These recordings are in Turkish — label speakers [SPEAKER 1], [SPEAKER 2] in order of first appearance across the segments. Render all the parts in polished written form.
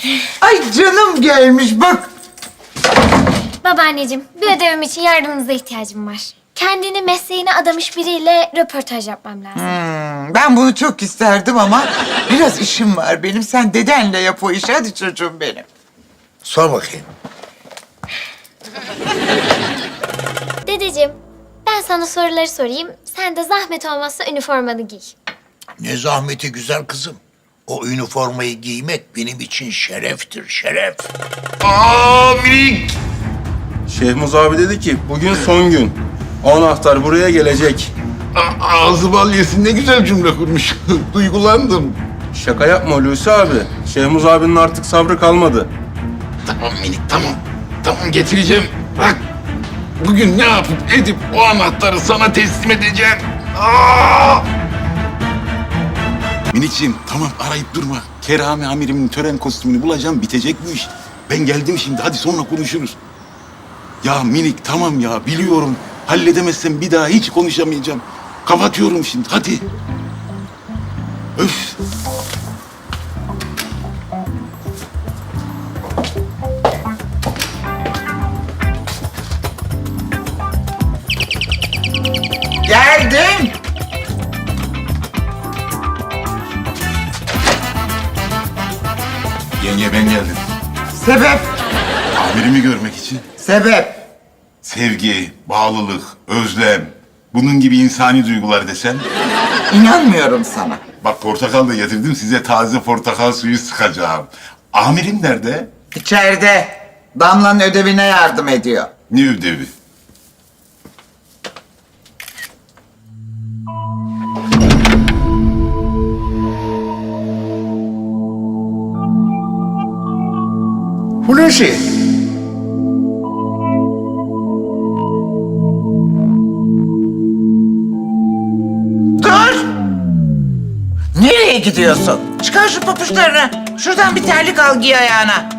[SPEAKER 1] Ay canım gelmiş bak.
[SPEAKER 2] Babaanneciğim, bir ödevim için yardımınıza ihtiyacım var. Kendini mesleğine adamış biriyle röportaj yapmam lazım.
[SPEAKER 1] Ben bunu çok isterdim ama biraz işim var benim. Sen dedenle yap o işi. Hadi çocuğum benim.
[SPEAKER 3] Sor bakayım.
[SPEAKER 2] Dedeciğim, ben sana soruları sorayım. Sen de zahmet olmazsa üniformanı giy.
[SPEAKER 3] Ne zahmeti güzel kızım. O üniformayı giymek benim için şereftir, şeref.
[SPEAKER 4] Minik!
[SPEAKER 5] Şehmuz abi dedi ki bugün son gün. O anahtar buraya gelecek.
[SPEAKER 4] Ağzı bal yesin, ne güzel cümle kurmuş. Duygulandım.
[SPEAKER 5] Şaka yapma Hulusi abi. Şehmuz abinin artık sabrı kalmadı.
[SPEAKER 4] Tamam minik, tamam. Tamam, getireceğim. Bak, bugün ne yapıp edip o anahtarı sana teslim edeceğim. Minikciğim, tamam arayıp durma. Kerami amirimin tören kostümünü bulacağım, bitecek bu iş. Ben geldim şimdi, hadi sonra konuşuruz. Ya minik, tamam ya, biliyorum. Halledemezsem bir daha hiç konuşamayacağım. Kapatıyorum şimdi, hadi. Öf.
[SPEAKER 1] Geldim.
[SPEAKER 4] Yenge, ben geldim.
[SPEAKER 1] Sebep?
[SPEAKER 4] Amirimi görmek için.
[SPEAKER 1] Sebep.
[SPEAKER 4] Sevgi, bağlılık, özlem, bunun gibi insani duygular desem.
[SPEAKER 1] İnanmıyorum sana.
[SPEAKER 4] Bak, portakal da getirdim, size taze portakal suyu sıkacağım. Amirim nerede?
[SPEAKER 1] İçeride Damla'nın ödevine yardım ediyor.
[SPEAKER 4] Ne ödevi?
[SPEAKER 3] Hulusi.
[SPEAKER 1] Dur! Nereye gidiyorsun? Çıkar şu papuçlarını. Şuradan bir terlik al giy ayağına.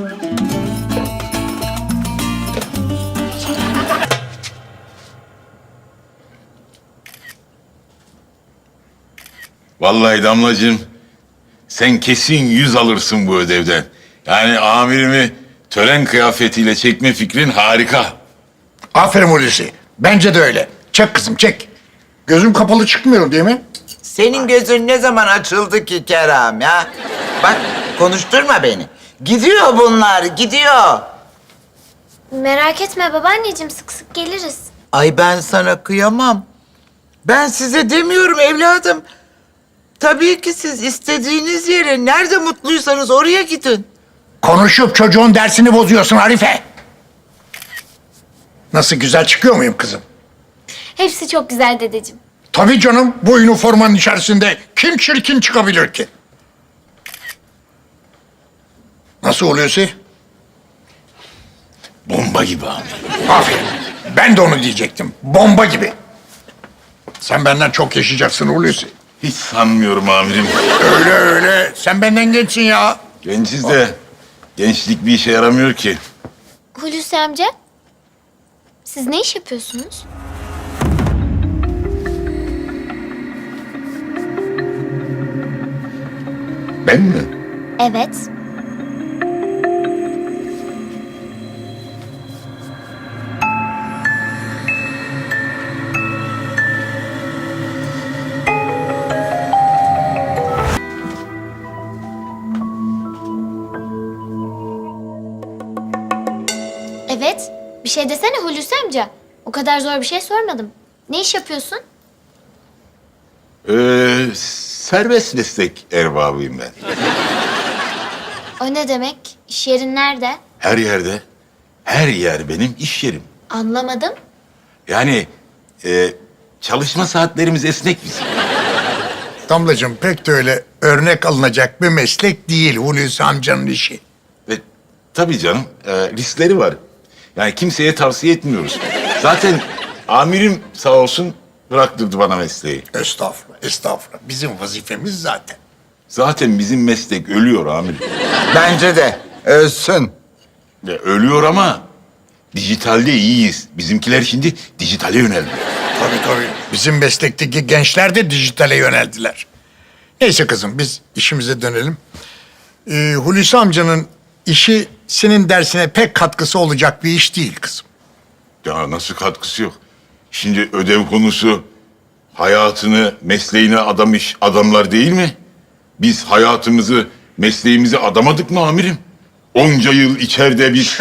[SPEAKER 4] Vallahi Damlacığım, sen kesin 100 alırsın bu ödevden. Yani amirimi tören kıyafetiyle çekme fikrin harika.
[SPEAKER 3] Aferin Hulusi. Bence de öyle. Çek kızım, çek. Gözüm kapalı çıkmıyor değil mi?
[SPEAKER 1] Senin gözün ne zaman açıldı ki Kerem ya? Bak konuşturma beni. Gidiyor bunlar, gidiyor.
[SPEAKER 2] Merak etme babaanneciğim, sık sık geliriz.
[SPEAKER 1] Ay ben sana kıyamam. Ben size demiyorum evladım. Tabii ki siz istediğiniz yere, nerede mutluysanız oraya gidin.
[SPEAKER 3] Konuşup çocuğun dersini bozuyorsun Arife. Nasıl, güzel çıkıyor muyum kızım?
[SPEAKER 2] Hepsi çok güzel dedeciğim.
[SPEAKER 3] Tabii canım, bu üniformanın içerisinde kim çirkin çıkabilir ki? Nasıl Hulusi?
[SPEAKER 4] Bomba gibi amirim.
[SPEAKER 3] Aferin. Ben de onu diyecektim. Bomba gibi. Sen benden çok yaşayacaksın Hulusi.
[SPEAKER 4] Hiç sanmıyorum amirim.
[SPEAKER 3] Öyle öyle. Sen benden gençsin ya.
[SPEAKER 4] Genciz de gençlik bir işe yaramıyor ki.
[SPEAKER 2] Hulusi amca, siz ne iş yapıyorsunuz?
[SPEAKER 4] Ben mi?
[SPEAKER 2] Evet. Evet. Bir şey desene Hulusi amca. O kadar zor bir şey sormadım. Ne iş yapıyorsun?
[SPEAKER 4] Serbest meslek erbabıyım ben.
[SPEAKER 2] O ne demek? İş yerin nerede?
[SPEAKER 4] Her yerde, her yer benim iş yerim.
[SPEAKER 2] Anlamadım.
[SPEAKER 4] Yani çalışma saatlerimiz esnek bizim.
[SPEAKER 3] Damlacığım, pek de öyle örnek alınacak bir meslek değil Hulusi amcanın işi.
[SPEAKER 4] Ve tabii canım, riskleri var. Yani kimseye tavsiye etmiyoruz. Zaten amirim sağ olsun bıraktırdı bana mesleği.
[SPEAKER 3] Estağfurullah, estağfurullah. Bizim vazifemiz zaten.
[SPEAKER 4] Zaten bizim meslek ölüyor amirim.
[SPEAKER 1] Bence de ölsün.
[SPEAKER 4] Ölüyor ama dijitalde iyiyiz. Bizimkiler şimdi dijitale yöneldi.
[SPEAKER 3] Tabii tabii. Bizim meslekteki gençler de dijitale yöneldiler. Neyse kızım, biz işimize dönelim. Hulusi amcanın işi senin dersine pek katkısı olacak bir iş değil kızım.
[SPEAKER 4] Ya nasıl katkısı yok? Şimdi ödev konusu hayatını, mesleğine adamış adamlar değil mi? Biz hayatımızı, mesleğimizi adamadık mı amirim? Onca yıl içeride biz...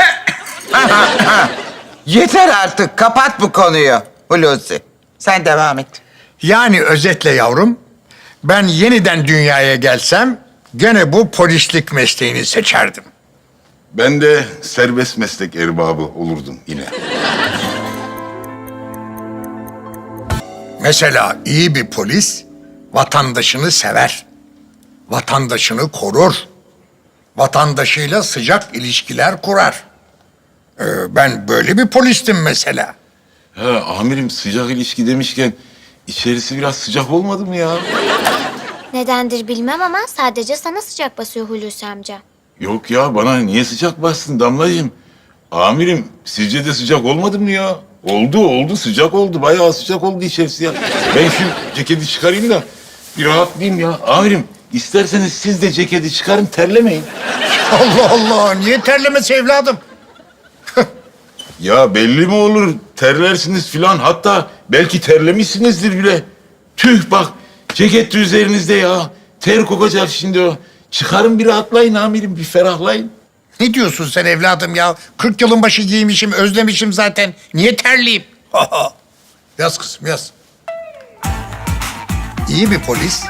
[SPEAKER 1] Yeter artık, kapat bu konuyu Hulusi. Sen devam et.
[SPEAKER 3] Yani özetle yavrum, ben yeniden dünyaya gelsem gene bu polislik mesleğini seçerdim.
[SPEAKER 4] Ben de serbest meslek erbabı olurdum yine.
[SPEAKER 3] Mesela iyi bir polis vatandaşını sever, vatandaşını korur, vatandaşıyla sıcak ilişkiler kurar. Ben böyle bir polistim mesela.
[SPEAKER 4] Ha amirim sıcak ilişki demişken içerisi biraz sıcak olmadı mı ya?
[SPEAKER 2] Nedendir bilmem ama sadece sana sıcak basıyor Hulusi amca.
[SPEAKER 4] Yok ya bana niye sıcak bastın Damlacığım? Amirim sizce de sıcak olmadı mı ya? Oldu sıcak oldu bayağı sıcak oldu içerisi ya. Ben şu ceketi çıkarayım da bir rahatlayayım ya. Amirim isterseniz siz de ceketi çıkarın terlemeyin.
[SPEAKER 3] Allah Allah, niye terlemesi evladım?
[SPEAKER 4] Ya belli mi olur terlersiniz filan hatta belki terlemişsinizdir bile. Tüh bak ceket de üzerinizde ya. Ter kokacak şimdi o. Çıkarın bir rahatlayın amirim bir ferahlayın.
[SPEAKER 3] Ne diyorsun sen evladım ya? 40 yılın başı giymişim, özlemişim zaten. Niye terleyeyim? Yaz kızım, yaz. İyi bir polis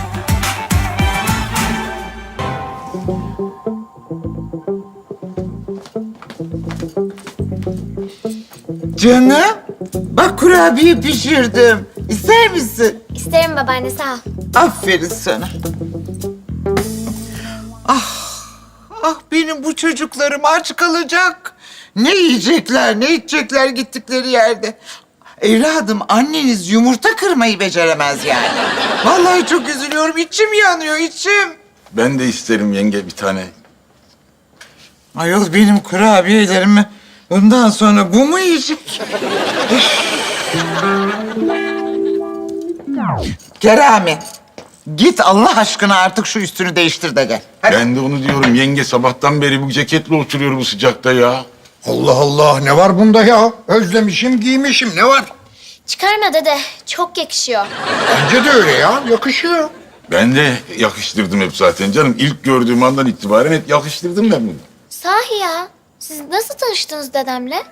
[SPEAKER 1] Canım, bak kurabiye pişirdim. İster misin?
[SPEAKER 2] İsterim babaanne sağ ol.
[SPEAKER 1] Aferin sana. Ah benim bu çocuklarım aç kalacak. Ne yiyecekler, ne içecekler gittikleri yerde. Evladım anneniz yumurta kırmayı beceremez yani. Vallahi çok üzülüyorum. İçim yanıyor, içim.
[SPEAKER 4] Ben de isterim yenge bir tane.
[SPEAKER 1] Ayol benim kurabiyelerimi bundan sonra bu mu yiyecek? Kerami, git Allah aşkına artık şu üstünü değiştir de gel. Hadi.
[SPEAKER 4] Ben de onu diyorum yenge sabahtan beri bu ceketle oturuyor bu sıcakta ya.
[SPEAKER 3] Allah Allah, ne var bunda ya? Özlemişim, giymişim, ne var?
[SPEAKER 2] Çıkarma dede çok yakışıyor.
[SPEAKER 3] Bence de öyle ya, yakışıyor.
[SPEAKER 4] Ben de yakıştırdım hep zaten canım. İlk gördüğüm andan itibaren hep yakıştırdım ben bunu.
[SPEAKER 2] Sahi ya. Siz nasıl tanıştınız dedemle?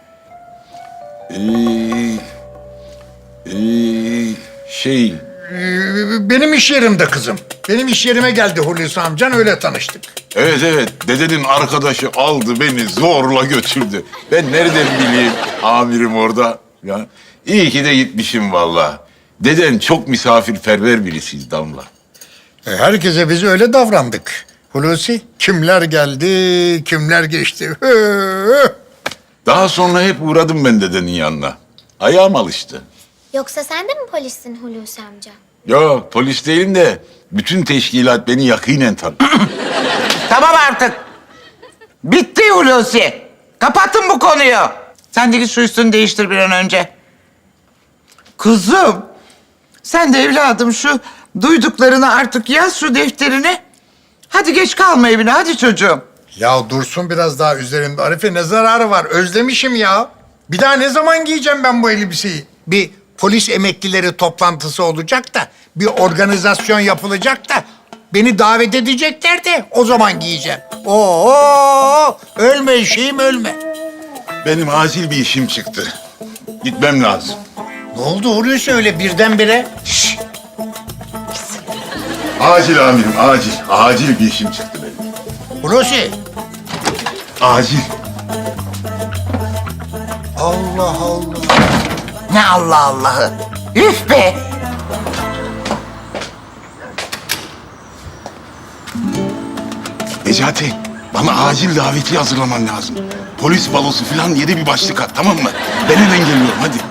[SPEAKER 4] Şey...
[SPEAKER 3] Benim iş yerimde kızım. Benim iş yerime geldi Hulusi amcan, öyle tanıştık.
[SPEAKER 4] Evet, dedenin arkadaşı aldı beni zorla götürdü. Ben nereden bileyim amirim orada. Ya, iyi ki de gitmişim vallahi. Deden çok misafirperver birisiydi Damla.
[SPEAKER 3] Herkese biz öyle davrandık. Hulusi, kimler geldi, kimler geçti.
[SPEAKER 4] Daha sonra hep uğradım ben dedenin yanına. Ayağım alıştı.
[SPEAKER 2] Yoksa sen de mi polissin Hulusi amca?
[SPEAKER 4] Yok polis değilim de bütün teşkilat beni yakinen tanır.
[SPEAKER 1] Tamam artık. Bitti Hulusi. Kapatın bu konuyu. Sen de git şu üstünü değiştir bir an önce. Kızım, sen de evladım şu duyduklarını artık yaz şu defterine. Hadi geç kalma evine, hadi çocuğum.
[SPEAKER 3] Ya dursun biraz daha üzerimde Arife, ne zararı var? Özlemişim ya. Bir daha ne zaman giyeceğim ben bu elbiseyi? Bir polis emeklileri toplantısı olacak da, bir organizasyon yapılacak da, beni davet edecekler de o zaman giyeceğim. Oo, ölme şeyim, ölme.
[SPEAKER 4] Benim acil bir işim çıktı. Gitmem lazım.
[SPEAKER 3] Ne oldu Hulusi öyle birdenbire?
[SPEAKER 4] Acil amirim, acil. Acil bir işim çıktı benim.
[SPEAKER 3] Hulusi.
[SPEAKER 4] Acil.
[SPEAKER 3] Allah Allah.
[SPEAKER 1] Ne Allah Allah'ı. Üf be.
[SPEAKER 4] Necati, bana acil daveti hazırlaman lazım. Polis balosu falan yedi bir başlık at, tamam mı? Ben hemen geliyorum, hadi.